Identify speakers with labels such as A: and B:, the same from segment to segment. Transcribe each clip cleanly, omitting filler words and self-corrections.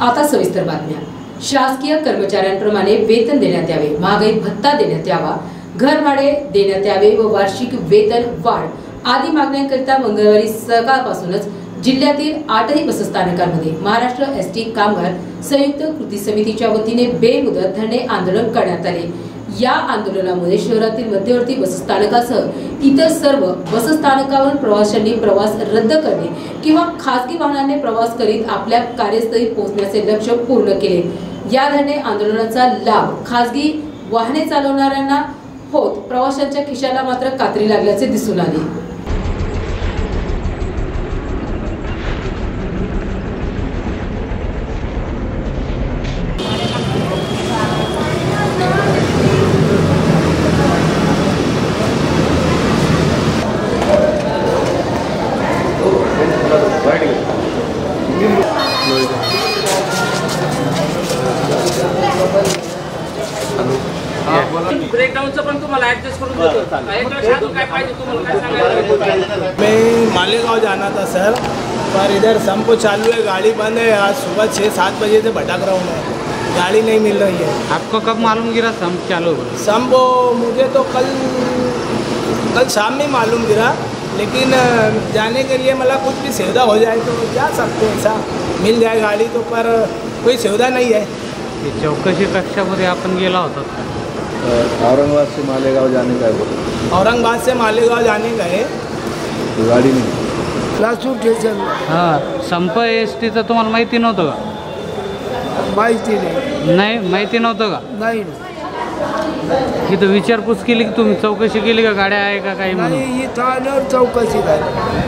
A: आता सविस्तर बातम्या। शासकीय कर्मचाऱ्यांप्रमाणे वेतन देण्यात यावे, महागाई भत्ता देण्यात यावा, घरभाडे देण्यात यावे व वार्षिक वेतन वाढ आदी मागण्यांकरिता मंगळवारी सकाळपासूनच जिल्ह्यातील 8ही बसस्थानकांमध्ये महाराष्ट्र एसटी कामगार संयुक्त कृती समितीच्या वतीने बेमुदत धरणे आंदोलन करण्यात आले। या आंदोलनामुळे शहरातील मध्यवर्ती बसस्थानकासह इतर सर्व बसस्थानकावर प्रवाशांनी प्रवास रद्द करणे किंवा खासगी वाहनाने प्रवास करीत आपल्या कार्यस्थळी पोहोचण्याचे लक्ष्य पूर्ण केले। या धरणे आंदोलनाचा लाभ खासगी वाहने चालवणाऱ्यांना होत प्रवाशांच्या खिशाला मात्र कात्री लागल्याचे दिसून आले।
B: ब्रेकडाउनचं पण तुम्हाला ऍडजस्ट करून देतो। काय पाहिजे तुम्हाला काय सांगायचं?
C: मैं मालेगांव जाना था सर, पर इधर संप चालू है, गाड़ी बंद है। आज सुबह 6-7 बजे से भटक रहा हूँ मैं, गाड़ी नहीं मिल रही है।
D: आपको कब मालूम गिरा संप चालू?
C: संप मुझे तो कल शाम में मालूम गिरा, लेकिन जाने के लिए मतलब कुछ भी सुविधा हो जाए तो जा सकते हैं, ऐसा मिल जाए गाड़ी तो, पर कोई सुविधा नहीं है।
D: चौकशी कक्षामध्ये आपण गेला होता?
E: औरंगाबाद से मालेगांव जाने का है।
C: औरंगाबाद से मालेगांव जाने का है,
E: तो गाड़ी नहीं।
C: लासूर स्टेशन।
D: हां, संप एसटीचं तुम्हाला माहिती नव्हतं का?
C: माहिती नाही
D: माहिती नव्हतं का?
C: नाही।
D: इथं विचारपूस केली की तुम्ही, चौकशी केली का गाड्या आहे का काही म्हणून?
C: नाही, इथं आल्यावर चौकशी काय?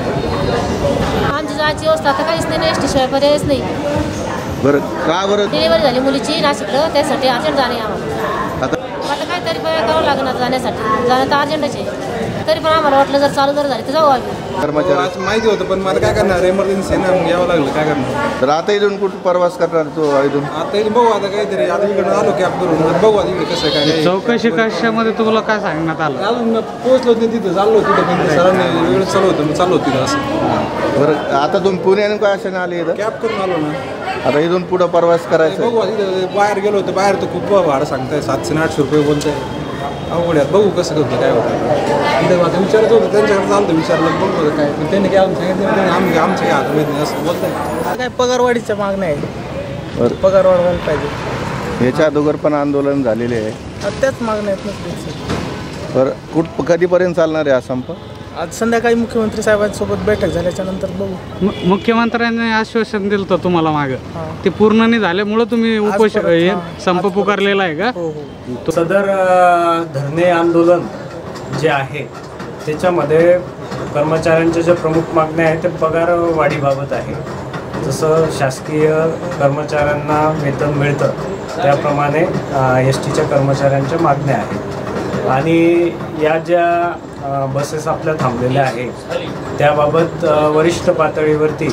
F: आमची जायची व्यवस्था आता काहीच नाही, एस टी शिवाय पर्यायच नाही।
E: बरं, का बरं?
F: डिलिव्हरी झाली मुलीची नाशिकला, त्यासाठी अर्जंट जाणे आम्हाला। आता काहीतरी करावं लागणार जाण्यासाठी, जाणं तर अर्जंटच आहे। तरी पण आम्हाला वाटलं जर चालू जर झाली तर जाऊ आम्ही।
E: कर्मचारी
G: माहिती होतं, पण मला काय करणार, एमर्जन्सी ना, मग यावं लागलं, काय करणार?
E: तर आता इथून कुठं प्रवास करणार तो? इथून
G: आता इथे बघू, आता काहीतरी आता इकडे आलो कॅब करून बघू आता इकडे कसं काय।
D: चौकशी कक्षामध्ये तुम्हाला काय सांगण्यात आलं?
G: अजून पोहोचलो नाही तिथं, चाललो तिथं, पण सरांनी वेळ चालू होतं, मग चाललो तिथं असं।
E: बरं, आता तुम्ही पुण्याने काय अशाने आले इथं?
G: कॅब करून आलो ना।
E: आता इथून पुढं प्रवास करायचा
G: बघू, तिथं बाहेर गेलो होतं, बाहेर तर खूप भाडं सांगताय, 700-800 रुपये बोलताय। अवघड्यात बघू कसं करतो, काय होतं तिथं आता विचारत होतं, त्यांच्याकडे चालतं विचारलं, बघतो काय, पण त्यांनी काय सांगितलं, आमचं काय हात माहीत नाही असं बोलताय।
C: काय पगारवाढीच्या मागण्या आहे, पगार वाढवायला पाहिजे।
E: याच्या अगोदर पण आंदोलन झालेले आहे,
C: त्याच मागण्या आहेत।
E: बरं, कधीपर्यंत चालणार आहे हा संप?
C: आज संध्याकाळी मुख्यमंत्री साहेबांसोबत बैठक झाल्याच्या नंतर बघू।
D: मुख्यमंत्र्यांनी आश्वासन दिलं होतं तुम्हाला मागं, ते पूर्ण नाही झाल्यामुळे तुम्ही संप पुकारलेला आहे का?
C: हो।
H: सदर धरणे आंदोलन जे आहे त्याच्यामध्ये कर्मचाऱ्यांच्या ज्या प्रमुख मागण्या आहेत ते पगार वाढीबाबत आहे। जसं शासकीय कर्मचाऱ्यांना वेतन मिळतं त्याप्रमाणे एस टीच्या कर्मचाऱ्यांच्या मागण्या आहेत, आणि या ज्या बसेस आपल्या थांबलेल्या आहेत त्याबाबत वरिष्ठ पातळीवरती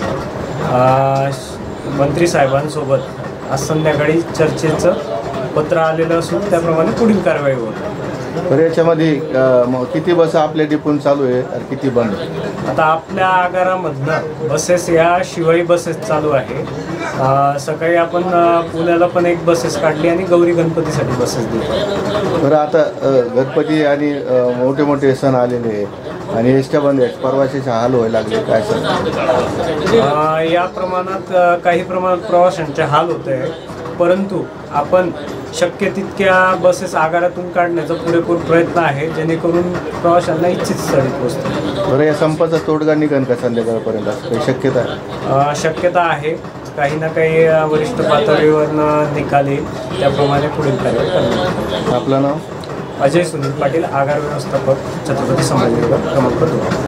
H: मंत्री साहेबांसोबत आज संध्याकाळी चर्चेचं पत्र आलेलं असून त्याप्रमाणे पुढील कारवाई होईल।
E: तर याच्यामध्ये किती बस आपल्या डिपून चालू आहे आणि किती बंद?
H: आता आपल्या आगारामधनं बसेस या शिवाई बसेस चालू आहे। सकाळी आपण पुण्याला पण एक बसेस काढली आणि गौरी गणपतीसाठी बसेस देतो।
E: बरं, आता गणपती आणि मोठे मोठे सण आलेले आहेत आणि एसट्या बंद आहेत, प्रवाशाचे हाल व्हायला लागले, काय सर?
H: या प्रमाणात काही प्रमाणात प्रवाशांचे हाल होत आहे, परंतु आपण शक्य तितक्या बसेस आगारातून काढण्याचा पुरेपूर प्रयत्न आहे, जेणेकरून प्रवाशांना इच्छित स्थळी पोहोचतो।
E: बरं, या संपाचा तोडगा निघेल का संध्याकाळपर्यंत, काही शक्यता आहे?
H: शक्यता आहे, काही ना काही वरिष्ठ पातळीवर निकाल येईल, त्याप्रमाणे पुढील कारवाई करणार।
E: आपलं नाव?
H: अजय सुनील पाटील, आगार व्यवस्थापक, छत्रपती संभाजीनगर, क्रमांक 2।